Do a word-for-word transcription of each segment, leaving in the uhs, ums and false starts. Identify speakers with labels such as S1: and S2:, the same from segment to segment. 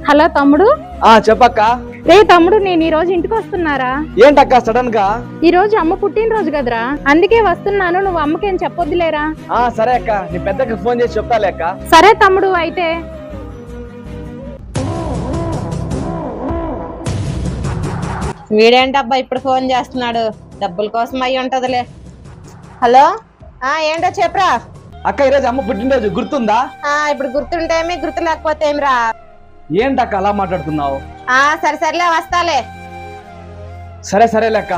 S1: Hello తమ్ముడు.
S2: ఆ చెప్పక్క.
S1: రే తమ్ముడు, నేను ఈ రోజు ఇంటికి వస్తున్నారా?
S2: ఏంటక్క సడన్ గా?
S1: ఈ రోజు అమ్మ పుట్టినరోజు కదరా, అందుకే వస్తున్నాను. నువ్వు అమ్మకేం చెప్పొద్దులేరా.
S2: ఆ సరే అక్క, నీ పెద్దకి ఫోన్ చేసి చెప్తాలే అక్క.
S1: సరే తమ్ముడు అయితే.
S3: వీడేంటబ్బా ఇప్పుడు ఫోన్ చేస్తున్నాడు? డబ్బుల కోసం అయ్యి ఉంటదిలే. హలో, ఆ ఏంటో చెప్పరా.
S2: అక్క ఈరోజు అమ్మ పుట్టినరోజు గుర్తుందా?
S3: ఆ ఇప్పుడు గుర్తుంటే ఏమి, గుర్తు లేకపోతే ఏమిరా?
S2: ఏంటక్క అలా మాట్లాడుతున్నావు?
S3: ఆ సరే సరేలే, వస్తాలే.
S2: సరే సరేలే అక్క.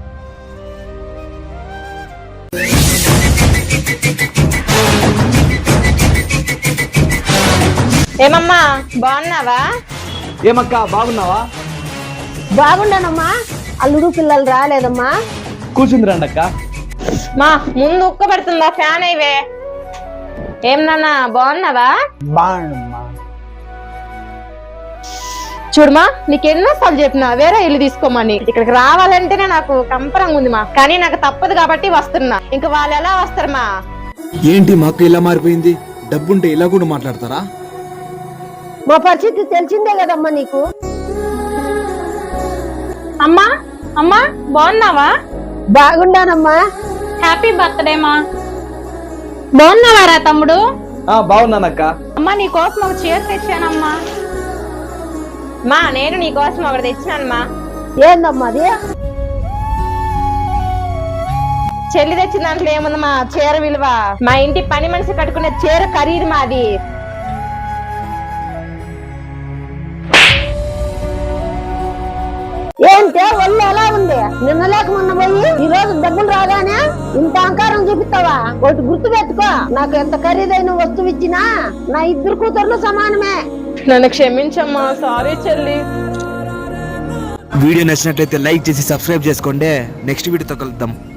S3: ఏమమ్మా బాగున్నావా?
S2: ఏమక్క బాగున్నావా?
S4: బాగుండానమ్మా. అల్లుడు పిల్లలు రాలేదమ్మా.
S2: కూర్చుంది రండి అక్క.
S3: మా ముందు ఉక్క పెడుతుందా ఫ్యాన్ అయ్యవే. ఏం నాన్న బాగున్నావా?
S5: బాగుండమ్మా.
S3: చూడమా, నీకెన్నోసార్లు చెప్పినా వేరే ఇల్లు తీసుకోమని. ఇక్కడికి రావాలంటేనే నాకు కంపరంగా ఉంది మా, కానీ నాకు తప్పదు కాబట్టి వస్తున్నా. ఇంకా వాళ్ళు ఎలా వస్తారమ్మా?
S5: ఏంటి మా అక్క ఇలా మారిపోయింది? డబ్బుంటే ఇలా కూడా మాట్లాడతారా?
S4: మా పరిస్థితి తెలిసిందే కదమ్మా నీకు.
S1: అమ్మా అమ్మా బాగున్నావా?
S4: బాగుండానమ్మా.
S1: హ్యాపీ బర్త్డే మా. బాగున్నావారా తమ్ముడు?
S2: ఆ బాగున్నానక్క.
S1: అమ్మా నీ కోసం ఒక చీర తెచ్చానమ్మా.
S3: మా నేను నీ కోసం ఒకటి తెచ్చినానమ్మా.
S4: ఏందమ్మా అది?
S3: చెల్లి తెచ్చిన దాంట్లో ఏముందమ్మా చీర విలువ? మా ఇంటి పని మనిషి కట్టుకునే చీర ఖరీదు మాది.
S4: ఏంటే ఒళ్ళు ఎలా ఉంది? నిన్న లేక మొన్న పోయి ఈ రోజు డబ్బులు రాగానే ఇంత అహంకారం చూపిస్తావా? ఒకటి గుర్తు పెట్టుకో, నాకు ఎంత ఖరీదైన వస్తువు ఇచ్చినా నా ఇద్దరు కూతుర్లు సమానమే.
S3: నన్ను క్షమించమ్మా, సారీ చెల్లి.
S5: వీడియో నచ్చినట్లయితే లైక్ చేసి సబ్స్క్రైబ్ చేసుకోండి. నెక్స్ట్ వీడియోతో కలుద్దాం.